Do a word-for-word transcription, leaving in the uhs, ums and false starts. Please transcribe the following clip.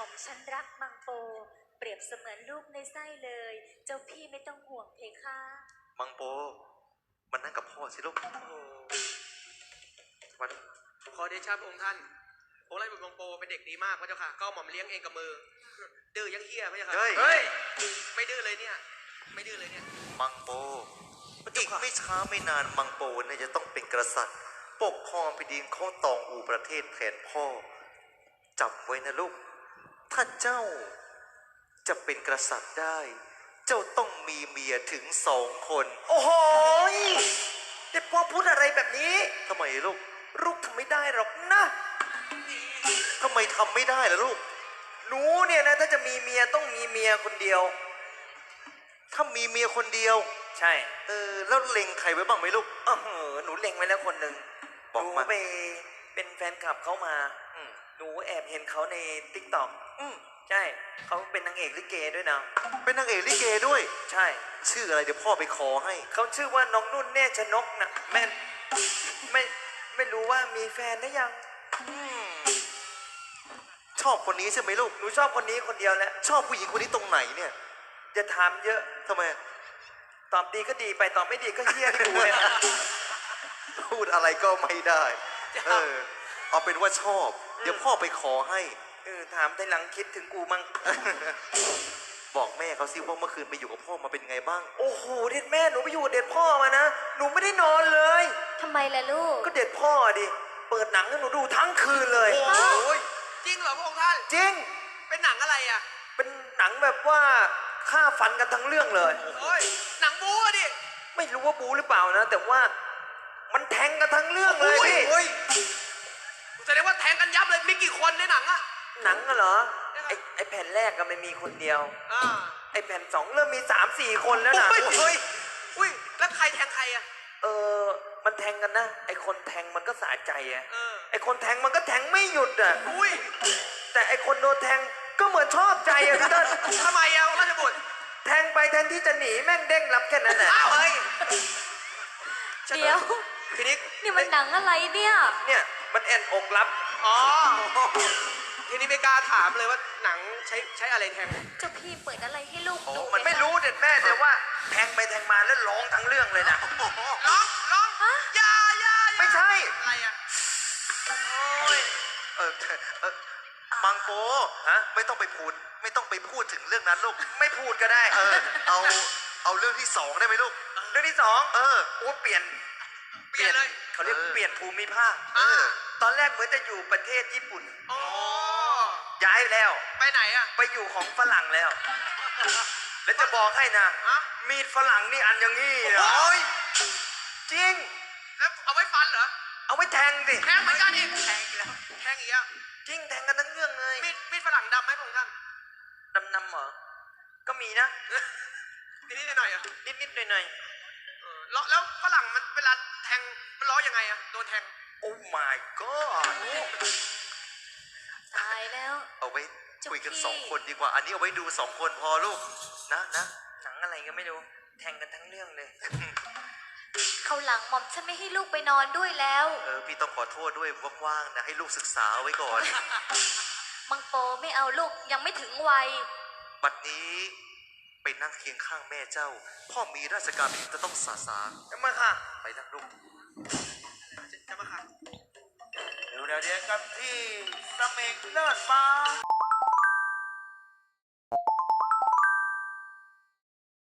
ม่อมฉันรักมังโปเปรียบเสมือนลูกในไส้เลยเจ้าพี่ไม่ต้องห่วงเพคะมังโปมันนั่งกับพ่อสิลูกมาดูขอเดชะพระองค์ท่านองค์ราชบุตรมังโปเป็นเด็กดีมากพระเจ้าค่ะก็หม่อมเลี้ยงเองกับมือดื้อยังเฮี้ยพระเจ้าค่ะเฮ้ยไม่ดื้อเลยเนี่ยไม่ดื้อเลยเนี่ยมังโปอีกไม่ช้าไม่นานมังโปเนี่ยจะต้องเป็นกษัตริย์ปกครองแผ่นดินเขาตองอูประเทศแทนพ่อจำไว้นะลูกถ้าเจ้าจะเป็นกษัตริย์ได้เจ้าต้องมีเมียถึงสองคนโอ้โหเด็กพ่อพูดอะไรแบบนี้ทำไมลูกลูกทำไม่ได้หรอกนะทำไมทำไม่ได้ล่ะลูกหนูเนี่ยนะถ้าจะมีเมียต้องมีเมียคนเดียวถ้ามีเมียคนเดียวใช่เออแล้วเล็งใครไว้บ้างไหมลูกเออหนูเล็งไว้แล้วคนหนึ่งหนูไปเป็นแฟนคลับเขามาหนูแอบเห็นเขาในติ๊กต็อกใช่เขาเป็นนางเอกลิเกด้วยนะเป็นนางเอกลิเกด้วยใช่ชื่ออะไรเดี๋ยวพ่อไปขอให้เขาชื่อว่าน้องนุ่นแน่ชนกนะแม่ไม่ไม่รู้ว่ามีแฟนหรือยังชอบคนนี้ใช่ไหมลูกหนูชอบคนนี้คนเดียวแหละชอบผู้หญิงคนนี้ตรงไหนเนี่ยจะถามเยอะทำไมตอบดีก็ดีไปตอบไม่ดีก็เฮี้ยที่กูเลยพูดอะไรก็ไม่ได้เออเอาเป็นว่าชอบเดี๋ยวพ่อไปขอให้เออถามทีหลังคิดถึงกูมั้งบอกแม่เขาสิว่าเมื่อคืนไปอยู่กับพ่อมาเป็นไงบ้างโอ้โหเด็ดแม่หนูไปอยู่เด็ดพ่อมานะหนูไม่ได้นอนเลยทำไมล่ะลูกก็เด็ดพ่อดิเปิดหนังให้หนูดูทั้งคืนเลยโอ้ยจริงเหรอพระองค์ท่านจริงเป็นหนังอะไรอ่ะเป็นหนังแบบว่าฆ่าฟันกันทั้งเรื่องเลยโอ้ยหนังบู๊ดิไม่รู้ว่าบู๊หรือเปล่านะแต่ว่ามันแทงกันทั้งเรื่องเลยพี่โอ้ยแสดงว่าแทงกันยับเลยมีกี่คนในหนังอะหนังเหรอไอไอแผ่นแรกก็ไม่มีคนเดียวไอแผ่นสองเริ่มมีสามสี่คนแล้วนะโอ้ยอุ้ยแล้วใครแทงใครอะเออมันแทงกันนะไอคนแทงมันก็สะใจอะไอคนแทงมันก็แทงไม่หยุดอะอุ้ยแต่ไอคนโดนแทงก็เหมือนชอบใจอะพี่ต้นทำไมอะราชบุตรแทงไปแทนที่จะหนีแม่งเด้งรับแค่นั้นแหละอ้าวเฮ้ยเดี๋ยวทีนี้นี่มันหนังอะไรเนี่ยเนี่ยมันแอนอกรับอ๋อทีนี้ไม่กล้าถามเลยว่าหนังใช้ใช้อะไรแทงเจ้าพี่เปิดอะไรให้ลูกดูมันไม่รู้เด็ดแม่แต่ว่าแทงไปแทงมาแล้วร้องทั้งเรื่องเลยนะร้องร้องฮะยายาไม่ใช่อะไรอะโอ้ยเออเออมังโกฮะไม่ต้องไปพูดไม่ต้องไปพูดถึงเรื่องนั้นลูกไม่พูดก็ได้เออเอาเอาเรื่องที่สองได้ไหมลูกเรื่องที่สองเออโอ้เปลี่ยนเปลี่ยนเลยเขาเรียกเปลี่ยนภูมิภาคตอนแรกเหมือนจะอยู่ประเทศญี่ปุ่นอ๋อย้ายแล้วไปไหนอะไปอยู่ของฝรั่งแล้วแล้วจะบอกให้นะมีดฝรั่งนี่อันอย่างงี้นะโอ้ยจริงแล้วเอาไว้ฟันเหรอเอาไว้แทงสิแทงเหมือนกันอีกแทงอีกแล้วแทงอีกแล้วจริงแทงกันทั้งเรื่องเลยมีดมีดฝรั่งดำไหมพระองค์ท่านดำนำเหรอก็มีนะนิดนิดหน่อยอ่ะนิดนิดหน่อยหน่อยแล้วแล้วฝรั่งมันเวลาแทงมันร้องยังไงอ่ะโดนแทงโอ้ my god ตายแล้วเอาไว้คุยกันสองคนดีกว่าอันนี้เอาไว้ดูสองคนพอลูกนะนะหนังอะไรก็ไม่รู้แทงกันทั้งเรื่องเลยเขาหลังหม่อมฉันไม่ให้ลูกไปนอนด้วยแล้วเออพี่ต้องขอโทษด้วยว่างๆนะให้ลูกศึกษาไว้ก่อนมังโปไม่เอาลูกยังไม่ถึงวัยบัดนี้ไปนั่งเคียงข้างแม่เจ้าพ่อมีราชการที่จะต้องสาสางจะมาค่ะไปนั่งลูกจะมาค่ะเดี๋ยวเดี๋ยวกับที่สมิงเลิศฟ้า